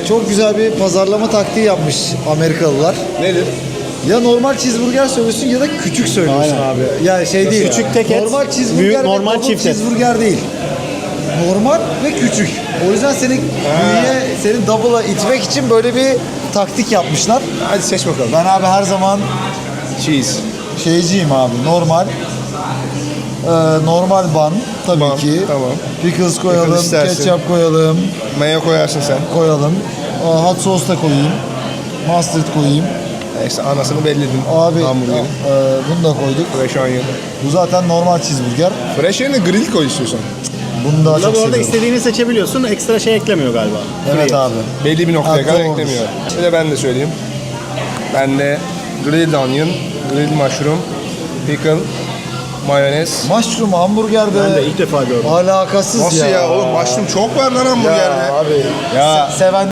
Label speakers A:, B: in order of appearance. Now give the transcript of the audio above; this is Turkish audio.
A: çok güzel bir pazarlama taktiği yapmış Amerikalılar.
B: Nedir?
A: Ya normal cheeseburger söylüyorsun ya da küçük söylüyorsun
C: Aynen.
A: abi. Ya şey değil.
C: Küçük tek et,
A: normal cheeseburger
C: büyük
A: ve
C: normal
A: double
C: çift et.
A: cheeseburger değil. Normal ve küçük. O yüzden seni büyüye, seni double'a itmek için böyle bir taktik yapmışlar.
B: Hadi seç bakalım.
A: Ben abi her zaman
B: Cheese.
A: şeyciyim abi. Normal. Normal bun tabii
B: Bun,
A: ki.
B: tamam.
A: Pickles koyalım,
B: Pickles istersin.
A: ketçap koyalım,
B: Mayo koyarsın sen.
A: koyalım. Hot sauce da koyayım. Mustard koyayım.
B: Neyse anasını belledin.
A: Abi
B: Hamburgerin.
A: bunu da koyduk.
B: Fresh onion.
A: Bu zaten normal cheeseburger.
B: Fresh onion grill koy istiyorsan.
A: Bunu daha
C: Burada
A: çok
C: bu arada
A: seviyorum.
C: istediğini seçebiliyorsun. Ekstra şey eklemiyor galiba.
A: Evet
C: Free.
A: abi.
B: Belli bir noktaya
A: Ha,
B: kadar
A: doğrudur.
B: eklemiyor. Bir de ben de söyleyeyim. Ben de grilled onion, grilled mushroom, pickle, mayonez.
A: Mushroom hamburger be.
C: Ben de ilk defa gördüm.
A: Alakasız
B: Nasıl ya oğlum mushroom çok var lan hamburgerde.
A: Ya abi.
B: Ya.
A: Seven